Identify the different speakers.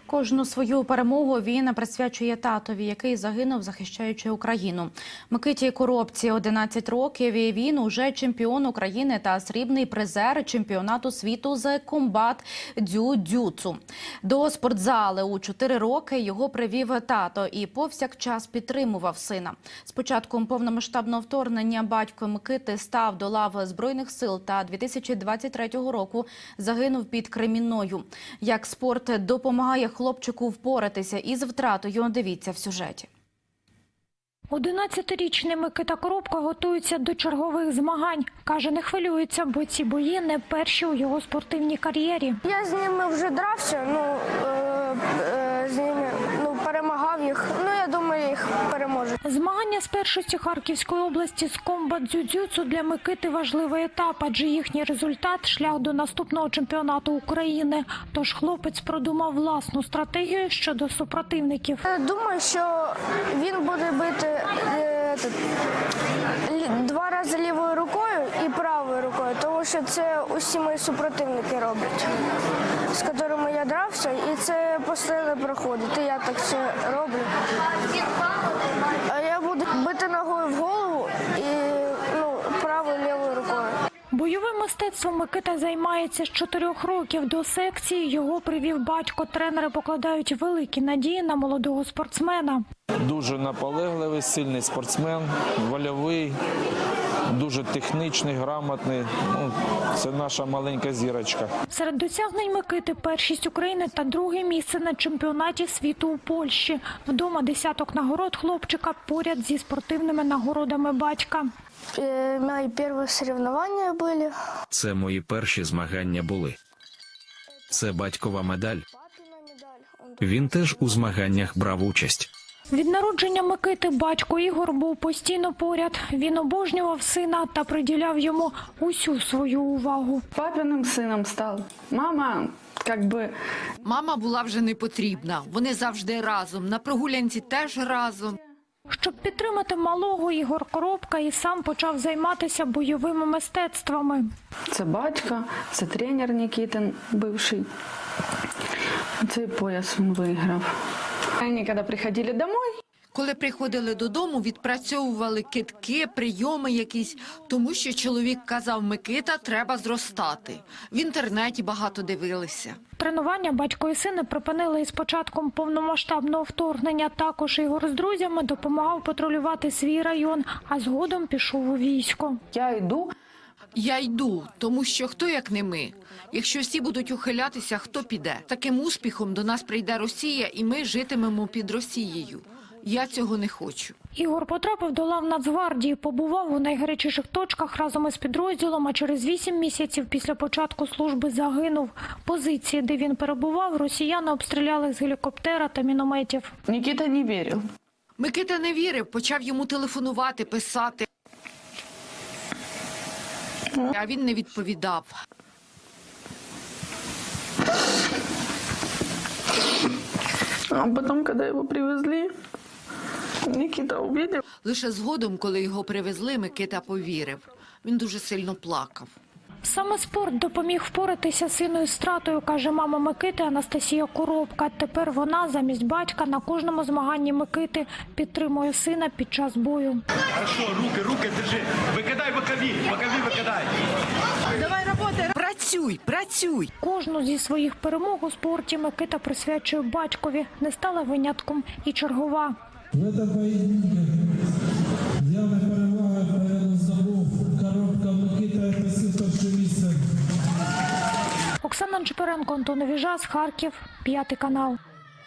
Speaker 1: Кожну свою перемогу він присвячує татові, який загинув, захищаючи Україну. Микиті Коробці 11 років, і він уже чемпіон України та срібний призер чемпіонату світу з комбат дзюдзюцу. До спортзали у 4 роки його привів тато і повсякчас підтримував сина. З початком повномасштабного вторгнення батько Микити став до лав Збройних сил та 2023 року загинув під Кремінною. Як спорт допомагає хлопчику впоратися із втратою, дивіться в сюжеті.
Speaker 2: 11-річний Микита Коробка готується до чергових змагань. Каже, не хвилюється, бо ці бої не перші у його спортивній кар'єрі.
Speaker 3: Я з ними вже дрався, з ними перемагав їх. Я думаю, їх переможу.
Speaker 2: Змагання з першості Харківської області з комбат дзюдзюцу для Микити важливий етап, адже їхній результат – шлях до наступного чемпіонату України. Тож хлопець продумав власну стратегію щодо супротивників.
Speaker 3: Думаю, що він буде бити 2 рази лівою рукою і правою рукою, тому що це усі мої супротивники роблять, з якими я дрався, і це постійно проходить. І я так все роблю. А я буду бити ногою в голову і правою лівою рукою.
Speaker 2: Бойовим мистецтвом Микита займається з 4 років. До секції його привів батько. Тренери покладають великі надії на молодого спортсмена.
Speaker 4: Дуже наполегливий, сильний спортсмен, вольовий, дуже технічний, грамотний. Це наша маленька зірочка.
Speaker 2: Серед досягнень Микити – першість України та 2-е місце на чемпіонаті світу у Польщі. Вдома десяток нагород хлопчика поряд зі спортивними нагородами батька.
Speaker 3: Мої перші соревновання були.
Speaker 5: Це мої перші змагання були. Це батькова медаль. Він теж у змаганнях брав участь.
Speaker 2: Від народження Микити батько Ігор був постійно поряд. Він обожнював сина та приділяв йому усю свою увагу.
Speaker 6: Папиним сином став.
Speaker 7: Мама була вже не потрібна. Вони завжди разом. На прогулянці теж разом.
Speaker 2: Щоб підтримати малого, Ігор Коробка і сам почав займатися бойовими мистецтвами.
Speaker 6: Це батько, це тренер Нікітин, бивший. Цей пояс він виграв. Вони, коли приходили додому,
Speaker 7: Коли приходили додому, відпрацьовували кидки, прийоми якісь, тому що чоловік казав: Микита, треба зростати. В інтернеті багато дивилися.
Speaker 2: Тренування батько і сини припинили із початком повномасштабного вторгнення. Також Ігор з друзями допомагав патрулювати свій район, а згодом пішов у військо.
Speaker 7: Я йду, тому що хто як не ми? Якщо всі будуть ухилятися, хто піде? Таким успіхом до нас прийде Росія, і ми житимемо під Росією. Я цього не хочу.
Speaker 2: Ігор потрапив до лав Нацгвардії, побував у найгарячіших точках разом із підрозділом, а через 8 місяців після початку служби загинув. Позиції, де він перебував, росіяни обстріляли з гелікоптера та мінометів.
Speaker 6: Нікіта не вірив.
Speaker 7: Микита не вірив, почав йому телефонувати, писати. А він не відповідав.
Speaker 6: А потім, коли його привезли, Нікіта побачив.
Speaker 7: Лише згодом, коли його привезли, Микита повірив. Він дуже сильно плакав.
Speaker 2: Саме спорт допоміг впоратися з синою стратою, каже мама Микити Анастасія Коробка. Тепер вона замість батька на кожному змаганні Микити підтримує сина під час бою.
Speaker 8: Хорошо, руки держи. Викидай бокові викидай.
Speaker 7: Давай, роботи! Працюй!
Speaker 2: Кожну зі своїх перемог у спорті Микита присвячує батькові. Не стала винятком і чергова.
Speaker 9: В этом поединке явная перевага порядок здобув Коробка Микита, посів перше місце.
Speaker 2: Оксана Чепуренко, Антон Віжас, Харків, 5 канал.